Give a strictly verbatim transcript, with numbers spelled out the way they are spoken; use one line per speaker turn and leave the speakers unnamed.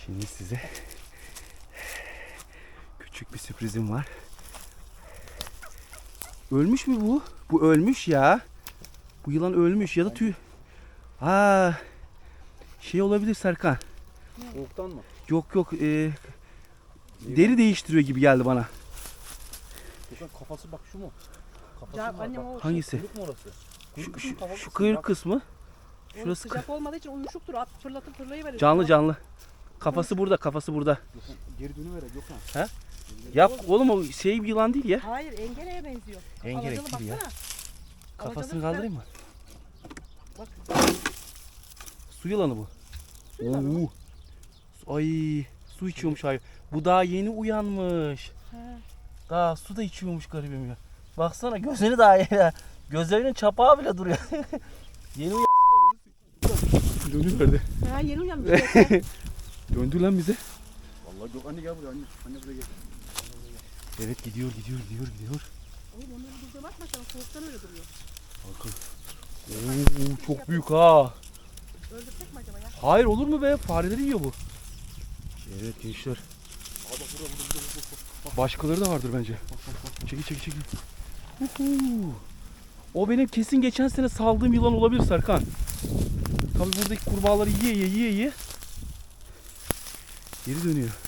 Şimdi size küçük bir sürprizim var. Ölmüş mü bu? Bu ölmüş ya. Bu yılan ölmüş ya da tüy. Aa, şey olabilir Serkan.
Soğuktan mı?
Yok yok. E, deri değiştiriyor gibi geldi bana.
Gökhan kafası bak şu mu? Kafası
Ya
mı var?
annem
Bak,
o
Hangisi?
kuyruk mu orası?
Şu,
Kuyruk
şu,
kısmı, kafa
şu
kısmı.
kıyrık
Bak,
kısmı.
Şurası
Şurası
sıcak olmadığı için uyuşuktur. At fırlatıp fırlayıverir.
canlı canlı. Kafası burada, kafası burada.
Gökhan, geri dönüver Gökhan.
He? Yap oğlum, o şey bir yılan değil ya.
Hayır, engeleye benziyor.
Engerek
Alacalı
gibi ya.
baksana.
Kafasını
Alacalı
kaldırayım mı?
Bak.
Su yılanı bu.
Su yılanı mı?
Oo. Ay, su içiyormuş hayır. Bu daha yeni uyanmış.
He.
Daha su da içiyormuş garibim ya. Baksana gözünü daha ya. Gözlerinin çapağı bile duruyor. Yeni uyan. Dönüverdi.
Ha, yeni uyanmış.
Döndü lan bize.
Vallahi Gökhan anne gel buraya anne. Anne buraya gel.
Evet, gidiyor gidiyor gidiyor gidiyor.
Oğlum onları bize bakma sana, soğuktan öyle duruyor.
Bakın. Oo, çok büyük ha.
Öldürsek mi acaba ya?
Hayır, olur mu be? Fareleri yiyor bu. Evet gençler.
Aa bak burada burada burada. burada.
Başkaları da vardır bence. Çekil çekil çekil. Uhu. O benim kesin geçen sene saldığım yılan olabilir Serkan. Tabii buradaki kurbağaları yiye yiye yiye yiye. Geri dönüyor.